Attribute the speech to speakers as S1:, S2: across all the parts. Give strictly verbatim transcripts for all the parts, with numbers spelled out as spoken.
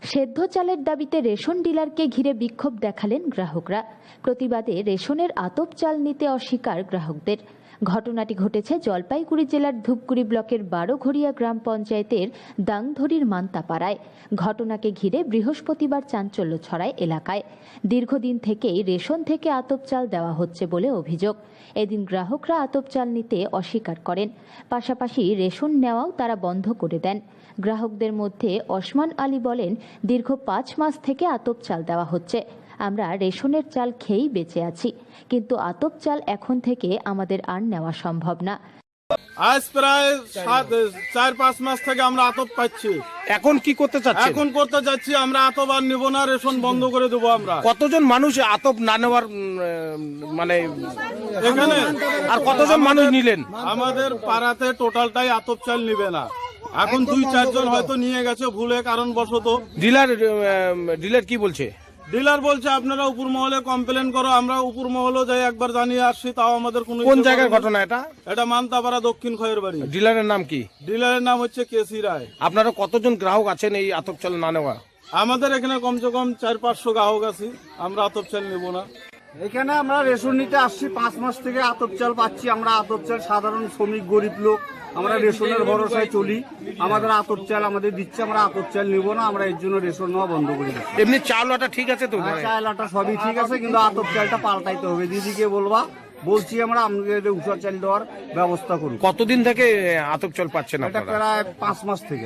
S1: সেদ্ধ চালের দাবিতে রেশন ডিলারকে ঘিরে বিক্ষোভ দেখালেন গ্রাহকরা। প্রতিবাদে রেশনের আতপ চাল নিতে অস্বীকার গ্রাহকদের। ঘটনাটি ঘটেছে জলপাইগুড়ি জেলার ধূপগুড়ি ব্লকের বারোঘড়িয়া গ্রাম পঞ্চায়েতের দাংধরির মান্তাপাড়ায়। ঘটনাকে ঘিরে বৃহস্পতিবার চাঞ্চল্য ছড়ায় এলাকায়। দীর্ঘদিন থেকেই রেশন থেকে আতপ চাল দেওয়া হচ্ছে বলে অভিযোগ। এদিন গ্রাহকরা আতপ চাল নিতে অস্বীকার করেন, পাশাপাশি রেশন নেওয়াও তারা বন্ধ করে দেন। গ্রাহকদের মধ্যে ওসমান আলী বলেন, দীর্ঘ পাঁচ মাস থেকে আতপ চাল দেওয়া হচ্ছে, আমরা রেশনের চাল খেয়েই বেঁচে আছি, কিন্তু আতপ চাল এখন থেকে আমাদের আর নেওয়া সম্ভব না।
S2: আজ প্রায় সাত চার পাঁচ মাস থেকে আমরা আতপ পাচ্ছি।
S3: এখন কি করতে চাচ্ছেন?
S2: এখন করতে যাচ্ছি আমরা আতপ আর নিব না, রেশন বন্ধ করে দেবো আমরা।
S3: কতজন মানুষ আতপ না নেওয়ার উম, মানে
S2: এখানে
S3: আর কতজন মানুষ নিলেন?
S2: আমাদের পাড়াতে টোটালটাই আতপ চাল নিবে না। এখন দুই চারজন হয়তো নিয়ে গেছে ভুলে কারণবশত।
S3: ডিলার ডিলার কি বলছে?
S2: ডিলার বলছে আপনারা উপর মহলে কমপ্লেন করো। আমরা উপর মহলে যাই একবার জানিয়ে আসছি, তাও আমাদের কোনো।
S3: কোন জায়গার ঘটনা এটা?
S2: এটা মান্তাপাড়া দক্ষিণ খয়ের বাড়ি।
S3: ডিলারের নাম কি?
S2: ডিলারের নাম হচ্ছে কেসি রায়।
S3: আপনারা কতজন গ্রাহক আছেন এই আতপ চাল না নেওয়া?
S2: আমাদের এখানে কমসে কম চার পাঁচশো গ্রাহক আছি, আমরা আতপ চাল নেব না।
S4: এখানে আমরা রেশন নিতে আসছি, পাঁচ মাস থেকে আতপ চাল পাচ্ছি। আমরা আতপ চাল সাধারণ শ্রমিক গরিব লোক, আমরা রেশনের ভরসায় চলি। আমাদের আতপ চাল আমাদের দিচ্ছে, আমরা আতপ চাল নিব না, আমরা এর জন্য রেশন নেওয়া বন্ধ করে দিচ্ছি।
S3: এমনি চাল আটা ঠিক আছে তো?
S4: চাল আটা সবই ঠিক আছে, কিন্তু আতপ চালটা পাল্টাইতে হবে। দিদিকে বলবা, বলছি আমরা আমাদের উষা চাল দেওয়ার ব্যবস্থা করুন।
S3: কতদিন থেকে আতপ চাল পাচ্ছেন
S4: এটা
S3: আপনারা?
S4: প্রায় পাঁচ মাস থেকে।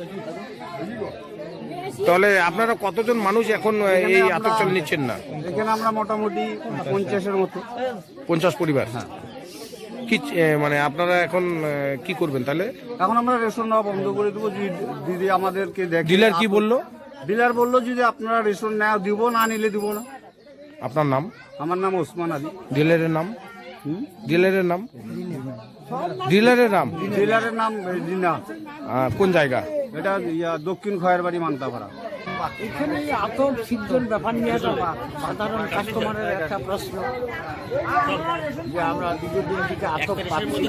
S3: তাহলে আপনারা কতজন মানুষ এখন এই আতপ চাল নিচ্ছেন না?
S4: এখানে আমরা মোটামুটি পঞ্চাশের মতো।
S3: পঞ্চাশ পরিবার। কি এ, মানে আপনারা এখন এ, কি করবেন তাহলে?
S4: এখন আমরা রেশন নেওয়া বন্ধ করে দেবো। যদি দিদি আমাদেরকে দেখে।
S3: ডিলার কি বললো?
S4: ডিলার বললো যদি আপনারা রেশন নেওয়া দিব, না নিলে দিব না।
S3: আপনার নাম?
S4: আমার নাম ওসমান আলী।
S3: ডিলারের নাম? ডিলারের নাম? ডিলারের নাম?
S4: ডিলারের নাম রিনা।
S3: আহ, কোন জায়গা?
S4: এটা ইয়া দক্ষিণ খয়ের বাড়ি মান্তাপাড়া।
S5: এখানে আতপ সিদ্ধর ব্যাপার নিয়ে একটা সাধারণ কাস্টমারের একটা প্রশ্ন, যে আমরা দীর্ঘদিন থেকে আতপ পাচ্ছি,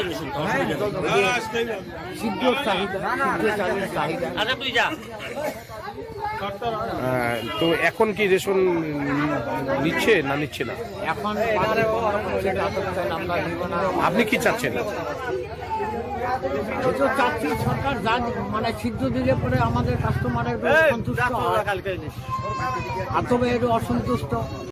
S5: সিদ্ধ চাহিদা, সিদ্ধ চালের চাহিদা।
S3: আহ, তো এখন কি রেশন নিচ্ছে না নিচ্ছে না?
S5: এখন বাজারে বন্ধ করছে আতপ চাল, আমরা নিব না।
S3: আপনি কি চাচ্ছেন?
S5: এই তো চাচ্ছি সরকার যা মানে সিদ্ধ দিলে পরে আমাদের কাস্টমারের সন্তুষ্ট হয়, আতপে একটু অসন্তুষ্ট।